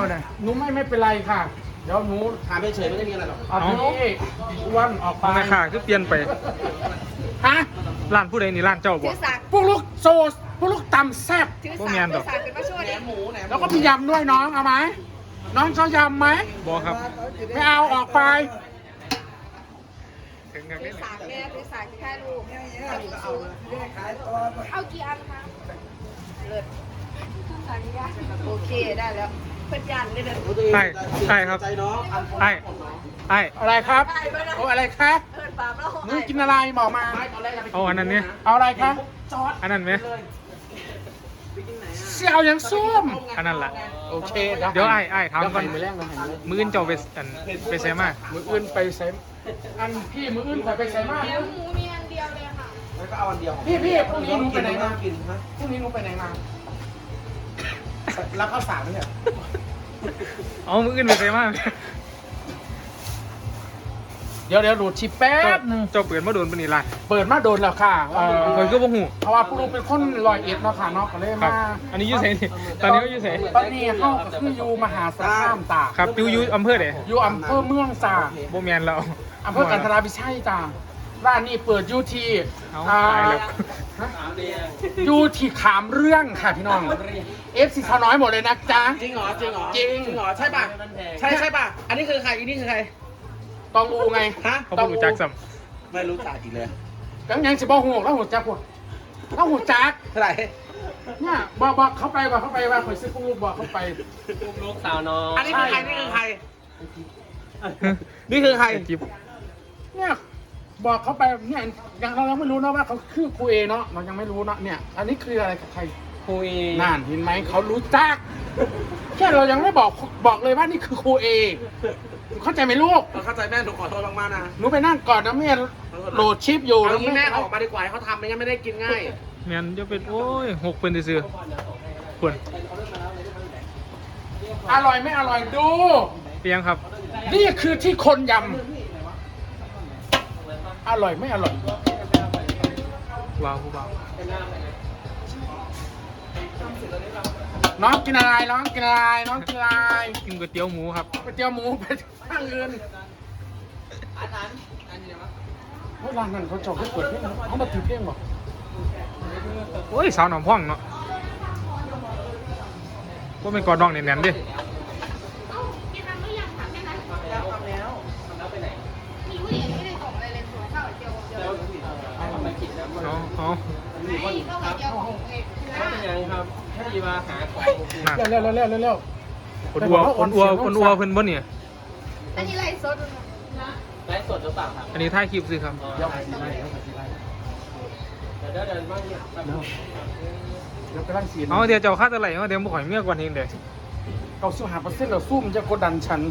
เลยหนูไม่เป็นไรค่ะเดี๋ยวหนูถามเฉยๆไม่ได้มีอะไรหรอกเอาพี่อ้วนออกไปเอาแม่ค้าคือเปลี่ยนไปฮะร้านผู้ใดนี่ร้านเจ้าบ่ถือสากพวกลูกโซสพวกลูกตำแซ่บถือพวกสากแมนดถืออก สากเป็นมาช่วยแหนมหมูแหนมแล้วก็มียำด้วยน้องเอาไหมน้องเขายำไหมบ่ครับไม่เอาออกไปถึงกันถืนี่อสากแม่ถือสากที่แค่ลูกเอากี่อันคะเลิศสากยากโอเคได้แล้วเพื่อนยันเลยนะใช่ครับใจน้องไอ้อะไรครับโอ้อะไรครับเพื่อนปามแล้วหนูกินอะไรบอกมาเอาอันนั้นเนี่ยเอาอะไรคะอันนั้นไหมเสี่ยวยังส้มอันนั้นล่ะโอเคเดี๋ยวไอ้ถามก่อนมือแรกเราเห็นเลยมื้ออื่นเจ้าไปใส่มามืออื่นไปใส่อันพี่มืออื่นไปใส่มากเดี๋ยวหมูมีอันเดียวเลยค่ะแล้วก็เอาอันเดียวพี่พรุ่งนี้หนูไปไหนมากินฮะพรุ่งนี้หนูไปไหนมารับข้าวสารไหมเนี่ยเอามื้ออื่นไปใส่มาเดี๋ยวดูชิปแป๊บนึงเจ้าเปิดมาโดนปานนี้ล่ะเปิดมาโดนแล้วค่ะเพิ่นก็บ่ฮู้เพราะว่าผู้ลูกเป็นคนลอยเอ็ดเนาะค่ะเนาะก็เลยครับมาอันนี้อยู่ไสนี่ตอนนี้ก็อยู่ไสตอนนี้เขาก็คืออยู่มหาสารคามตากครับอยู่อำเภอใดอยู่อำเภอเมืองตากบ่แม่นแล้วอำเภอกันทราวิชัยจ้าร้านนี้เปิดอยู่ที่เอาตายแล้วอยู่ที่ขามเรื่องค่ะพี่น้องเอฟซีชาวน้อยหมดเลยนะจ๊ะจริงเหรอจริงเหรอจริงเหรอใช่ป่ะใช่ป่ะอันนี้คือใครอันนี้คือใครตองอูไงฮะเขาบ่รู้จักซ้ไม่รู้จักอีกเลยกังยังสิบ่หูแล้วหูจักพวกแล้วหูจักเท่าไหร่เนี่ยบอกเขาไปว่าข่อยซื้อพวกลูกบอกเขาไปลูกสาวน้องอันนี้ใช่คือใครนี่คือใครนี่คือใครจิ๊บเนี่ยบอกเขาไปเนี่ยยังเรายังไม่รู้นะว่าเขาคือครูเอเนาะเรายังไม่รู้เนาะเนี่ย อันนี้คืออะไรกับใครคุยนั่นเห็นไหมเขารู้จักแค่เรายังไม่บอกเลยว่านี่คือครูเอเข้าใจไหมลูกเข้าใจแม่หนูขอโทษมากๆนะหนูไปนั่งก่อนนะแม่โหลดชิปอยู่เอาแล้วงี้แม่ออกมาดีกว่าให้เขาทำไม่งั้นไม่ได้กินง่ายแม่นจะเป็นโอ้ย6เพิ่นซื่อๆควรอร่อยไม่อร่อยดูเปียงครับนี่คือที่คนยำอร่อยไม่อร่อยว้าวผู้บ่าวน้องกินอะไรน้องกินอะไรน้องกินอะไรกินก๋วยเตี๋ยวหมูครับไปเตี๋ยวหมูไปข้างเงินเฮ้ยร้านนั้นเขาจอดเขาเปิดเพลงเขามาถือเพลงบอกโอ้ยสาวหนองพ่องเนาะว่าเป็นกอดดองแน่นๆดิกินน้ำหรือยังคะแค่นั้นมีผู้หญิงไม่ได้ส่งอะไรเลยส่งข้าวเจียวเดียวเอาไม่ก็เจียวของเอกคือยังครับที่มาหาของน่ะเร็วคนอัวเพิ่นบ่เนี่ยอันนี้ไรสดนะไลฟ์สดหรือเปล่าครับอันนี้ถ่ายคลิปซื้อครับเดี๋ยวเดินบ้างกำลังสีเอาเดี๋ยวเจ้าค่าเท่าไหร่เอาเดี๋ยวบ่ข่อยเมียก่อนเองเด้อเราสู้หาเปอร์เซ็นต์เราสู้มันจะกดดันฉัน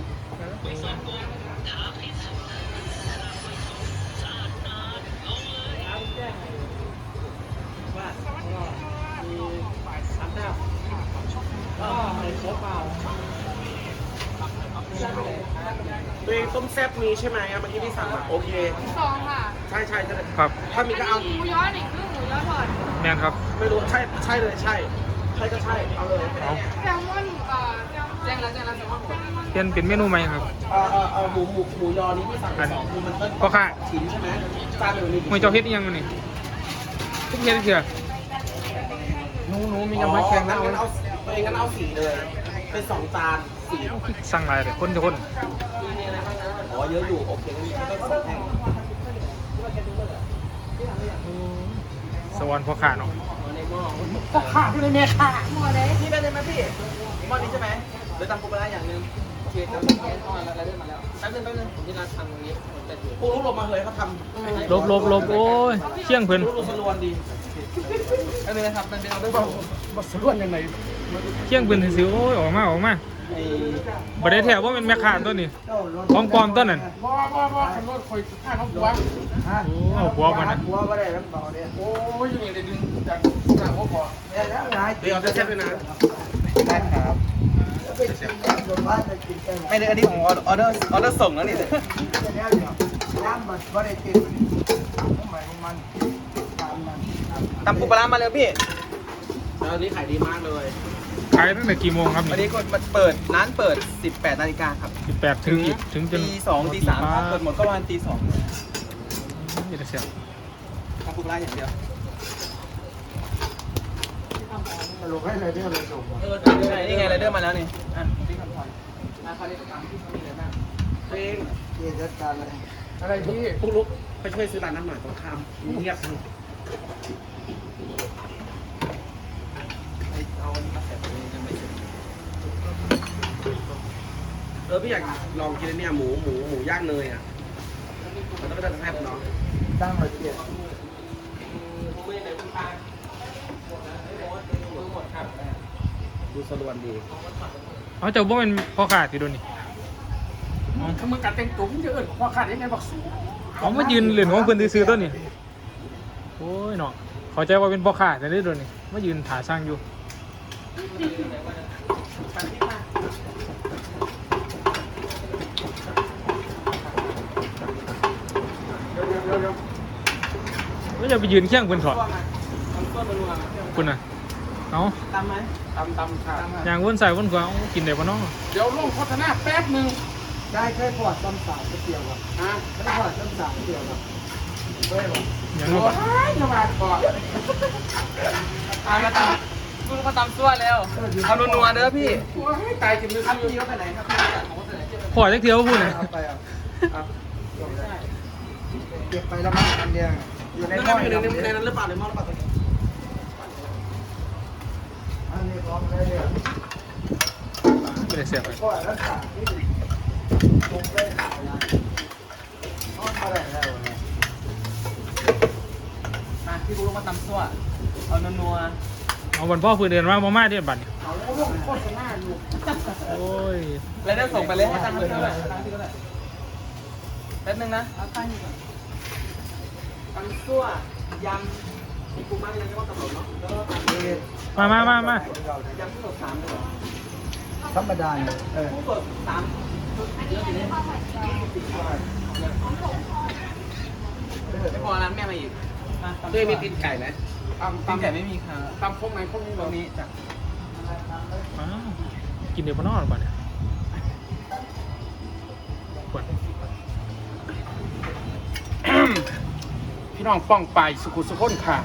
ตัวเองต้มแซ่บมีใช่ไหมเมื่อกี้พี่สั่งมาโอเคสองค่ะใช่ใช่ครับถ้ามีก็เอาหมูย้อนอีกครึ่งหมูย้อนทอดแม่นครับไม่รู้ใช่ใช่เลยใช่ก็ใช่เอาเลยเอาแซลมอนแซลมอนแซลมอนเปลี่ยนเป็นเมนูใหม่ครับหมูยอนี้พี่สั่งไป2คือมันต้นก็ค่ะชิ้นใช่ไหมจานหนึ่งมีมวยเจ้าเฮ็ดอีหยังมันนี่ทุกเฮ็ดเถื่อหนูมียังไม่แข็งนะงั้นเอาตัวเองงั้นเอา4เลยเป็น2จาน4 สั่งหลายเลยคนจะคนอ๋อเยอะอยู่โอเคงั้นก็2แท่งสวรรค์พ่อข้าเนาะก็ขาดที่ในเมียขาดหมูเลยพี่เป็นเลยไหมพี่หม้อนี้ใช่ไหมเดี๋ยวตำปูปลาอย่างนึงโอเคทำแกงทอดแล้วเริ่มมาแล้วแป๊บนึงผมที่ร้านทำตรงนี้ผมจะถือปูรูปลงมาเลยเขาทำลบโอ้ยเชี่ยงเพิ่นรูปสลวนดีแป๊บนึงนะครับเป็นเอาด้วยมาสะล้วนยังไงเชี่ยงเพิ่นซื่อๆโอ้ยออกมาบ่ได้แท้ว่าเป็นแม่ค้าตัวนี้ของปลอมตัวนั้นว่าขันรถคอยข้าน้องบัวโอ้เอาหัวมันนะหัวก็ได้แล้วต่อเนี่ยโอ้ยอยู่นี่เลยดึงจากหน้าหัวก่อนเดี๋ยวจะเช็ดด้วยนะได้ครับไม่ได้อันนี้ของออเดอร์ส่งแล้วนี่ตำปูปลาร้ามาเลยพี่แล้วนี้ขายดีมากเลยขายตั้งแต่กี่โมงครับวันนี่นี้ก็มันเปิดร้านเปิด 18 นาฬิกาครับ 18ถึงจนตี 2 ตี 3ครับเปิดหมดก็ประมาณตี 2 นี่จะเสียบทำปูปลาอย่างเดียวลงให้เลยเนี่ยเลยส่งนี่ไงไรเดอร์มาแล้วนี่อ่ะพี่คำพรเขาเรียกตามที่มีอะไรบ้างเพลงพี่จัดการเลยอะไรพี่ปุ๊กลุกไปช่วยซื้อร้านน้ำหน่อยตรงข้ามเงียบเอาอันนี้มาใส่ตรงนี้ยังไม่เสร็จพี่อยากลองกินอันเนี้ยหมูย่างเนยอ่ะมันต้องไปทำแซ่บเนาะตั้งมาเกียรดูสลวนดีเขาจะบ่เป็นพ่อขาดที่โดนนี่ถ้ามึงกัดเต็งตุ๋มจะเอิญพอขาดยังไงบอกสูเขามายืนเหรียญของเพื่อนซื้อต้นนี่โอ้ยเนาะเขาใจว่าเป็นพ่อขาดแต่ได้โดนนี่มายืนถาสร้างอยู่ก็จะไปยืนเคี่ยงเพื่อนถอดคุณน่ะเอาตามไหมตำขาดอย่างวนใส่วนขวาเอากินได้ปะน้องเดี๋ยวลงโฆษณาแป๊บหนึ่งได้เคยพอดซ้ำสามเกี่ยวกับอ่ะเคยพอดซ้ำสามเกี่ยวกับเคยบอกอย่างโอ้นู้นยจะมาก่อนมาตามคุณมาตามตัวแล้วเอานัวๆเด้อพี่โอ้ยตายกินมือครับซื้อพี่เขาไปไหนครับพี่ของเขาไปไหนพอจักเที่ยวพูดเลยเอาไปอ่ะเก็บไปแล้วมั้งอันเดียวอยู่ในในหม้อในนั้นหรือเปล่าในหม้อหรือเปล่าอันนี้พร้อมเลยเนี่ยไม่ได้เสียบไปพอดรักษาที่ตรงได้ขายนะทอดมาได้แล้วเนี่ยมาพี่บุ๊กมาตำตัวเอานัวเอาวันพ่อเพื่อนเดินมามาเดียบัตรนี่เอาแล้วลงโฆษณาอยู่โอ้ยๆแล้วได้ส่งไปเลยให้ตั้งเท่าไหร่แป๊บนึงนะเอาตั้งก่อนตำตัวยำมีกุ้งมากยังไม่ว่าตำรวจเนาะแล้วก็ตำนี่มายำกุ้งสด3เลยเหรอธรรมดาเนี่ยกุ้งสด3ไม่พอร้านแม่มาอีกด้วยมีตีนไก่ไหมตำตีนไก่ไม่มีค่ะตำพวกไหนพวกนี้ตรงนี้จ้ะอ้าวกินเดี๋ยวปะน้องหรือเปล่าเนี่ยขวดพี่น้องป้องไปสุขุสุขนค่ะ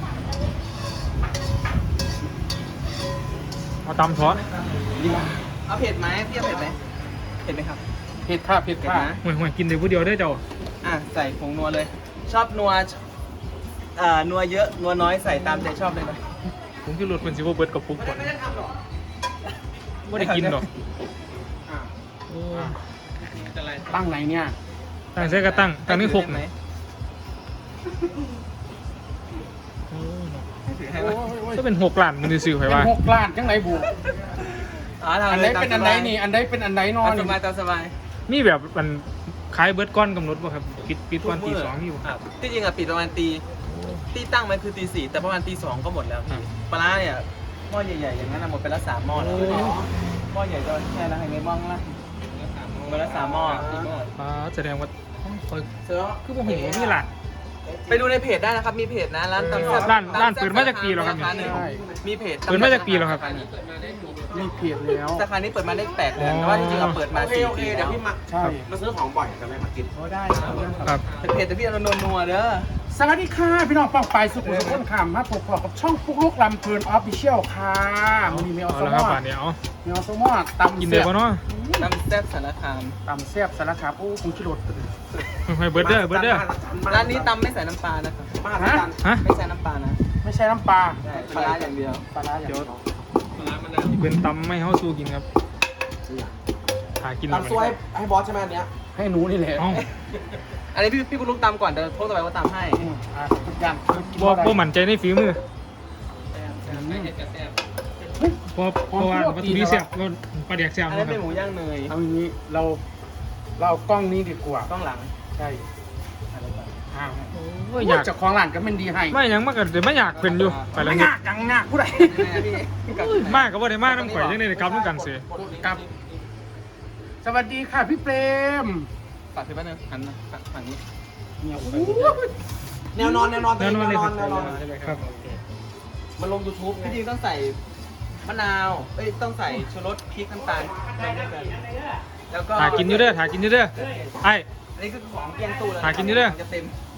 เอาตำทอดเอาเผ็ดไหมพี่เอาเผ็ดไหมเผ็ดไหมครับเผ็ดค่ะเผ็ดเผ็ดค่ะนะห่วยกินเดี๋ยวผู้เดียวได้อเจ้าอ่ะใส่ผงนัวเลย ชอบนัวนัวเยอะนัวน้อยใส่ตามใจชอบเลยนะผมคือรถเป็นซิวเบิร์ดกับปุ๊กก่อนไม่ได้ทำหรอกไม่ได้กินหรอกอ่ะโอ้ยตั้งไหนเนี่ยตั้งใส่กระตั้งตั้งนี่หกไหมนะโอ้ยเนาะให้ถือให้โอ้ไหมยโอ้ยก็เป็น6 ล้านมันจะซื้อไปเป็นว่า 6 ล้านจังไหนบุ อันไหนเป็นอันไหนนี่ อันไหนเป็นอันไหนนอนตามสบายตามสบายมีแบบมันขายเบิร์ดก้อนกำหนดป่ะครับปิดวันตี 2อยู่ครับที่จริงอะปิดประมาณตีตั้งมันคือตี 4แต่ประมาณตี 2ก็หมดแล้วพี่ปลาร้าเนี่ยหม้อใหญ่ๆอย่างนั้นอะหมดไปแล้ว3หม้อแล้วหม้อใหญ่จะแค่ละให้ไม่บ้องละหมดแล้ว3หม้อแสดงว่าคอยเสือคือผมเห็นว่ามีหลานไปดูในเพจได้นะครับ มีเพจนะร้านตำแซ่บร้านเปิดมาจากปีแล้วครับสาขาหนึ่งมีเพจเปิดมาจากปีแล้วครับมีเพียแล้วสาขานี้เปิดมาได้8 เดือนแต่ว่าจริงๆเราเปิดมา4 ปีแล้วใช่มาซื้อของบ่อยกันไหมมากินได้ครับครับเพจแต่พี่เอานัวๆเด้อสวัสดีค่ะพี่น้องป้องไปสุขุสุขนค่ะมาพบกับช่องปุ๊กลุกลำเพลินออฟฟิเชียลค่ะมันมีเมลเอาสละมครับอป่านนี้เอาเมลสมอตำกินเดี๋ยวป่ะเนาะตำแซ่บสารคามตำแซ่บสารคามโอ้คงชิโรดให้เบิร์ดเด้อเบิร์ดเด้อร้านนี้ตำไม่ใส่น้ำปลานะครับฮะฮะไม่ใส่น้ำปลานะไม่ใช่น้ำปลาใช่ปลาร้าอย่างเดียวปลาร้าอย่างเดียวเป็นตำไม่เข้าสู้กินครับหากินตำซวยให้บอสใช่ไหมอันเนี้ยให้หนูนี่แหละเอ้าอันนี้พี่คุณลุงตำก่อนเดี๋ยวพวกต่อไปว่าตำให้ทุกอย่างกินบ่ได้บ่มั่นใจในฝีมือเพราะว่าวัตถุดิบแซ่บก็ปลาแดกแซ่บอันนะนี้คเป็นรับหมูย่างเนยเอาอย่างนี้เราเอากล้องนี้ดีกว่าต้องหลังใช่อ้าวโอ้ยอยากเจ้าของร้านก็เป็นดีให้ไม่หยังมากก็เดี๋ยวไม่อยากเป็นอยู่ไปแล้วไม่เนี่ยยากจังงากผู้ใดมากก็บ่ได้มากน้ำข่อยจังได๋ครับน้ำกันเสียกับ สวัสดีค่ะพี่เปรมฝากถือแป๊บนึงหันมาฝั่งนี้เนี่ยแนวนอนแน่นอนเลยครับแนวนอนครับมันลง YouTube พี่จริงต้องใส่มะนาวเอ้ยต้องใส่ชูรสพริกน้ำตาลแล้วก็ถ่ากินอยู่เด้อถ่ากินอยู่เด้อไอ้อันนี้คือของเกียงตู้แล้วหากินอยู่เด้อจะเต็ม